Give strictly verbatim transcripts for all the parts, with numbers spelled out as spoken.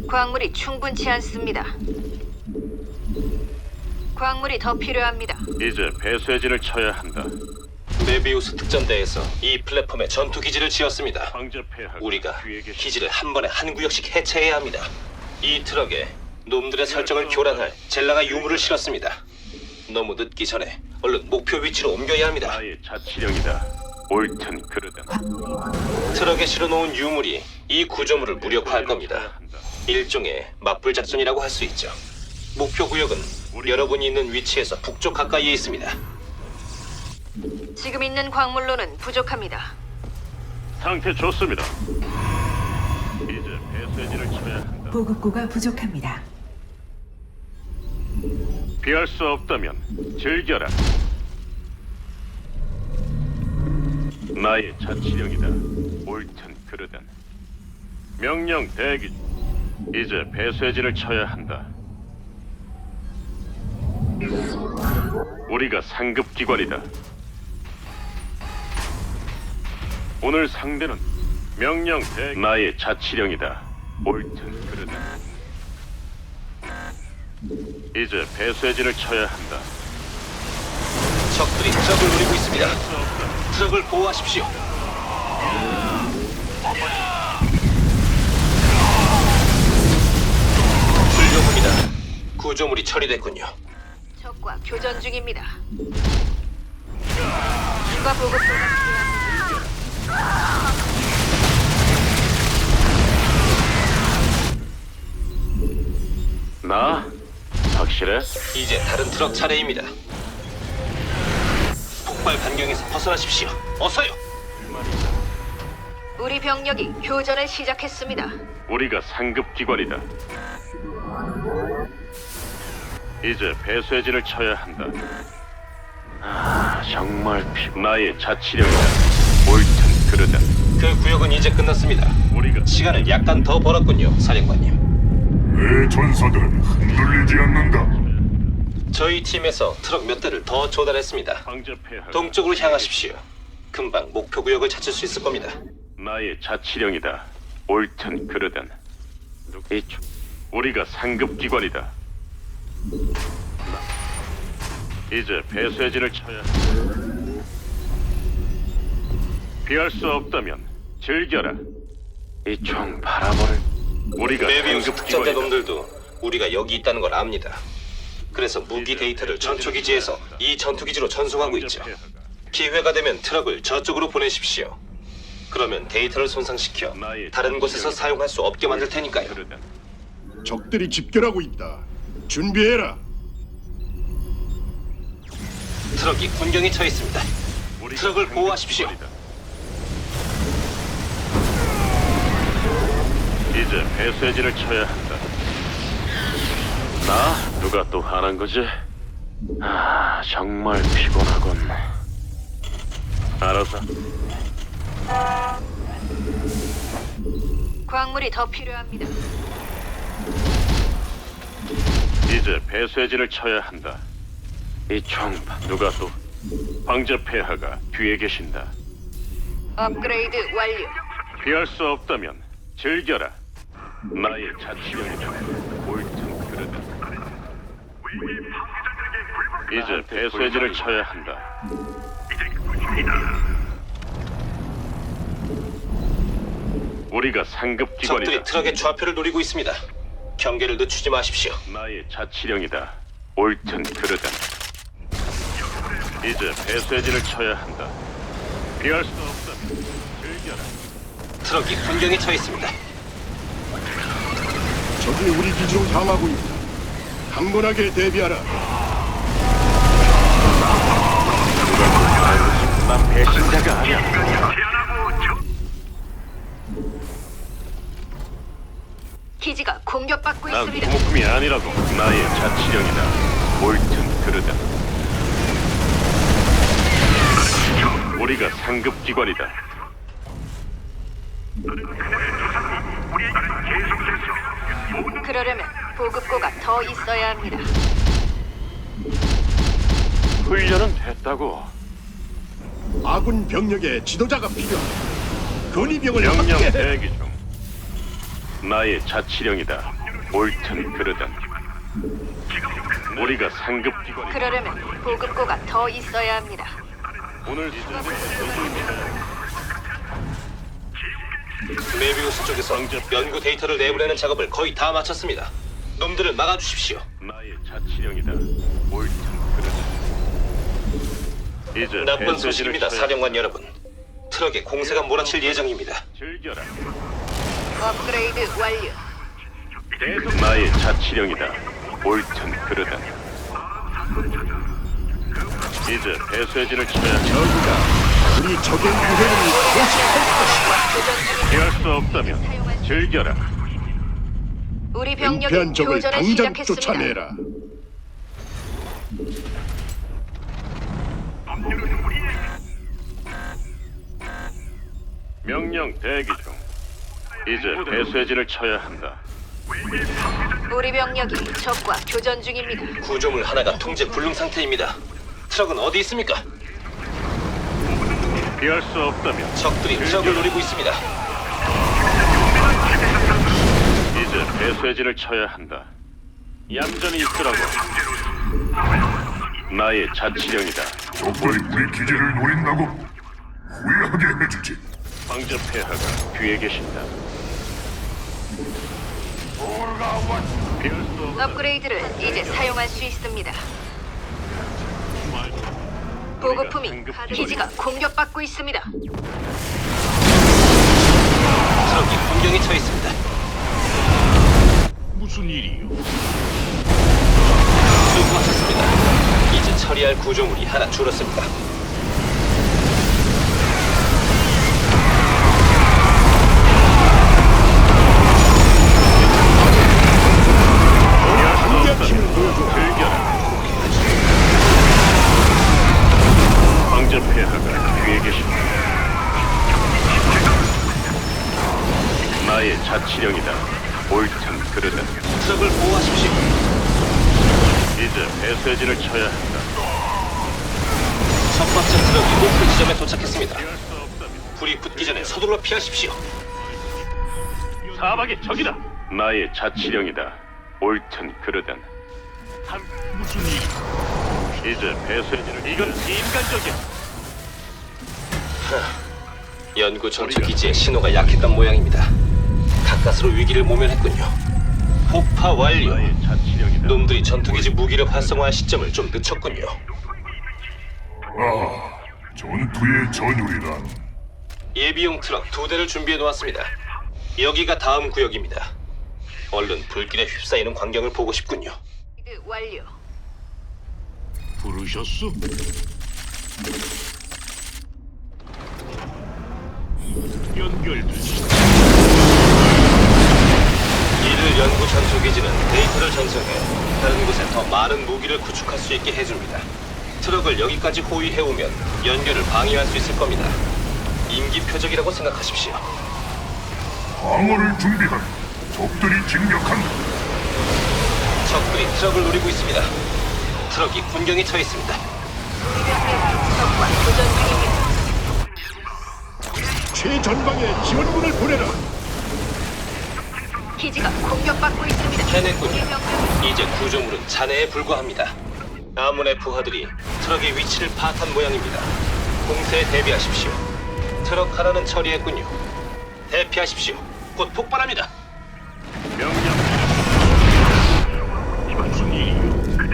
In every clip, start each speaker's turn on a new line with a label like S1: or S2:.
S1: 광물이 충분치 않습니다. 광물이 더 필요합니다.
S2: 이제 배쇄진을 쳐야 한다.
S3: 메비우스 특전대에서 이 플랫폼에 전투 기지를 지었습니다.
S2: 황제 폐하가
S3: 우리가
S2: 뒤에 계시.
S3: 기지를 한 번에 한 구역씩 해체해야 합니다. 이 트럭에 놈들의 설정을 교란할 젤라가 유물을 실었습니다. 너무 늦기 전에 얼른 목표 위치로 옮겨야 합니다.
S2: 나의 자치령이다. 옳든 그르든.
S3: 트럭에 실어놓은 유물이 이 구조물을 무력화할 겁니다. 일종의 맞불 작전이라고 할 수 있죠. 목표 구역은 여러분이 있는 위치에서 북쪽 가까이에 있습니다.
S1: 지금 있는 광물로는 부족합니다.
S2: 상태 좋습니다. 이제 배쇄진을 쳐야 한다.
S4: 보급고가 부족합니다.
S2: 피할 수 없다면 즐겨라. 나의 자치령이다. 옳든 그르든. 명령 대기. 이제 배쇄진을 쳐야 한다. 우리가 상급 기관이다. 오늘 상대는 명령 대기. 나의 자치령이다. 옳든 그르든. 이제 배쇄진을 쳐야 한다.
S3: 적들이 트럭을 노리고 있습니다. 트럭을 보호하십시오. 훌륭합니다. 구조물이 처리됐군요.
S1: 적과 교전 중입니다. 추가 보급소가 필요합니다.
S2: 나? 확실해?
S3: 이제 다른 트럭 차례입니다. 폭발 반경에서 벗어나십시오. 어서요.
S1: 우리 병력이 교전을 시작했습니다.
S2: 우리가 상급 기관이다. 이제 배쇄진을 쳐야 한다. 아, 정말 피... 나의 자치령이다. 옳든 그르든.
S3: 그 구역은 이제 끝났습니다.
S2: 우리가
S3: 시간을 약간 더 벌었군요, 사령관님.
S5: 내 전사들은 흔들리지 않는다.
S3: 저희 팀에서 트럭 몇 대를 더 조달했습니다.
S2: 황제 폐하.
S3: 동쪽으로 향하십시오. 금방 목표 구역을 찾을 수 있을 겁니다.
S2: 나의 자치령이다. 옳든 그르든. 이쪽. 우리가 상급 기관이다. 이제 배쇄진을 쳐야 한다. 피할 수 없다면 즐겨라. 이 총 바라보를. 우리가
S3: 메비우스
S2: 상급
S3: 특전대
S2: 기관이다.
S3: 놈들도 우리가 여기 있다는 걸 압니다. 그래서 무기 데이터를 전초기지에서 이 전투기지로 전송하고
S2: 황제
S3: 있죠.
S2: 폐하가
S3: 기회가 되면 트럭을 저쪽으로 보내십시오. 그러면 데이터를 손상시켜 다른 곳에서 사용할 수 없게 만들 테니까요.
S2: 그르든.
S5: 적들이 집결하고 있다. 준비해라.
S3: 트럭이 군경에 처해 있습니다.
S2: 우리가
S3: 트럭을
S2: 상급
S3: 보호하십시오.
S2: 기관이다. 이제 배쇄진을 쳐야 한다. 나? 누가 또 하는 거지? 아, 정말 피곤하군. 알았어.
S1: 광물이 더 필요합니다.
S2: 이제 배쇄진을 쳐야 한다. 이 총 누가 또? 황제 폐하가 뒤에 계신다.
S1: 업그레이드 완료.
S2: 피할 수 없다면 즐겨라. 나의 자치령이다. 옳든 그르든. 이제 배쇄진을 쳐야 한다. 우리가 상급
S3: 적들이
S2: 기관이다.
S3: 트럭의 좌표를 노리고 있습니다. 경계를 늦추지 마십시오.
S2: 나의 자치령이다. 옳든 그르든. 이제 배쇄진을 쳐야 한다. 피할 수 없다면 즐겨라.
S3: 트럭이 군경에 처해 있습니다.
S5: 적이 우리 기지로 향하고 있다. 강건하게 대비하라.
S2: 난 배신자가 아니야.
S1: 기지가 공격받고
S2: 난
S1: 있습니다.
S2: 소모품이 아니라고. 나의 자치령이다. 옳든 그르든. 우리가 상급 기관이다.
S1: 그러려면 보급고가 더 있어야 합니다.
S2: 훈련은 됐다고.
S5: 아군 병력의 지도자가 필요하다. 건의병을
S2: 명령
S5: 확대해.
S2: 대기 중. 나의 자치령이다. 옳든 그르든 우리가 상급 기관이
S1: 그러려면 보급고가 더 있어야 합니다.
S2: 오늘 이제
S3: 메비우스 쪽에서 연구 데이터를 내보내는 작업을 거의 다 마쳤습니다. 놈들을 막아주십시오.
S2: 나의 자치령이다. 옳든 그르든 이제
S3: 나쁜
S2: 배쇄진을
S3: 소식입니다,
S2: 쳐야
S3: 사령관 여러분. 트럭에 공세가 몰아칠 예정입니다.
S2: 즐겨라.
S1: 업그레이드 완료.
S2: 계속 나의 자치령이다. 옳든 그르든 이제 배쇄진을 쳐야 한다.
S5: 저그가 우리 적의 유해를 포식할 것이다.
S2: 피할 수 없다면 즐겨라.
S1: 우리 병력이
S5: 은폐한 적을
S1: 교전을
S5: 당장
S1: 시작했습니다.
S5: 쫓아내라.
S2: 명령 대기 중. 이제 배쇄진을 쳐야 한다.
S1: 우리 병력이 적과 교전 중입니다.
S3: 구조물 하나가 통제 불능 상태입니다. 트럭은 어디 있습니까?
S2: 피할 수 없다면
S3: 적들이 트럭을 노리고 있습니다.
S2: 이제 배쇄진을 쳐야 한다. 얌전히 있으라고. 나의 자치령이다.
S4: 적들이 우리 기지를 노린다고 후회하게 해주지.
S2: 황제 폐하가 뒤에 계신다. 피할 수 없다.
S1: 업그레이드를 이제 사용할 수 있습니다. 보급품이 기지가 공격받고 있습니다.
S3: 트럭이 공격에 처해 있습니다.
S2: 무슨 일이요?
S3: 수고 마쳤습니다. 이제 처리할 구조물이 하나 줄었습니다.
S5: 강력한 힘을 보여줘.
S2: 즐겨라. 황제 폐하가 뒤에 계신다. 나의 자치령이다. 옳든 그르든
S3: 트럭을 보호하십시오.
S2: 이제 배쇄진을 쳐야 한다.
S3: 첫 번째 트럭이 목표 지점에 도착했습니다.
S2: 피할 수 없다면
S3: 불이 붙기 전에 서둘러 피하십시오.
S2: 사박의 적이다. 나의 자치령이다. 옳든 그르든 한 무슨 일? 이제 배쇄진을 이건 인간적이야.
S3: 연구 전투 기지의 신호가 약했던 모양입니다. 가까스로 위기를 모면했군요. 폭파 완료.
S2: 나의 자치령이다.
S3: 놈들이 전투기지 무기를 활성화할 시점을 좀 늦췄군요.
S4: 아, 전투의 전율이란
S3: 예비용 트럭 두 대를 준비해 놓았습니다. 여기가 다음 구역입니다. 얼른 불길에 휩싸이는 광경을 보고 싶군요.
S1: 업그레이드 완료.
S2: 부르셨소? 연결됐어.
S3: 이들 연구 전투 기지는 데이터를 전송해 다른 곳에 더 많은 무기를 구축할 수 있게 해줍니다. 트럭을 여기까지 호위해 오면 연결을 방해할 수 있을 겁니다. 임기 표적이라고 생각하십시오.
S4: 방어를 준비한 적들이 진격한다.
S3: 적들이 트럭을 노리고 있습니다. 트럭이 군경에 처해 있습니다.
S1: 적과 교전 중입니다.
S5: 최전방에 지원군을 보내라.
S1: 기지가 공격받고 있습니다.
S3: 해냈군요.
S1: 우리 병력이
S3: 이제 구조물은 잔해에 불과합니다. 아문의 부하들이 트럭의 위치를 파악한 모양입니다. 공세에 대비하십시오. 트럭 하나는 처리했군요. 대피하십시오. 곧 폭발합니다.
S2: 명령. 무슨 일이요?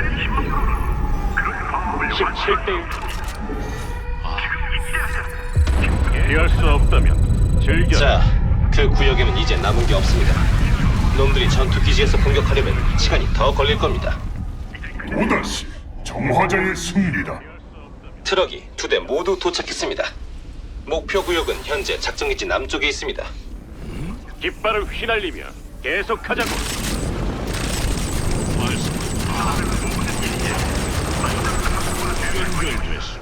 S2: 십칠 대 일. 피할 수 없다면 즐겨.
S3: 자, 그 구역에는 이제 남은 게 없습니다. 놈들이 전투 기지에서 공격하려면 시간이 더 걸릴 겁니다.
S4: 또다시 정화자의 승리다.
S3: 트럭이 두 대 모두 도착했습니다. 목표 구역은 현재 작전기지 남쪽에 있습니다.
S2: 깃발을 휘날리며 계속하자고. 연결됐어.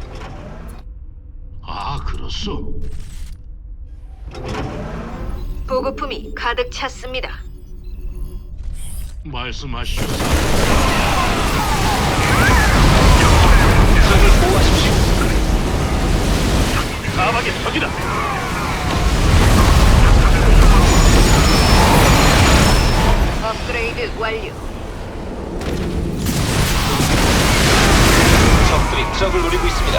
S2: 아, 그렇소.
S1: 보급품이 가득 찼습니다.
S2: 말씀하시오.
S3: 트럭을 보호하십시오.
S2: 사막의 적이다.
S1: 업그레이드 업그레이드 완료.
S3: 적들이 트럭을 노리고 있습니다.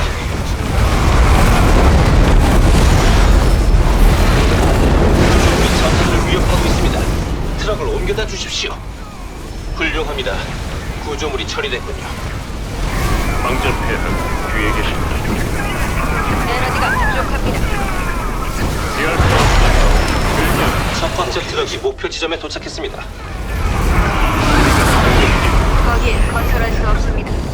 S3: 우리 전선을 위협하고 있습니다. 트럭을 옮겨다 주십시오. 훌륭합니다. 구조물이 처리됐군요.
S2: 황제 폐하가 뒤에 계십니다.
S1: 에너지가 부족합니다.
S2: 피할 수 없습니다.
S3: 첫 번째 트럭이 목표 지점에 도착했습니다.
S1: 거기에 건설할 수 없습니다.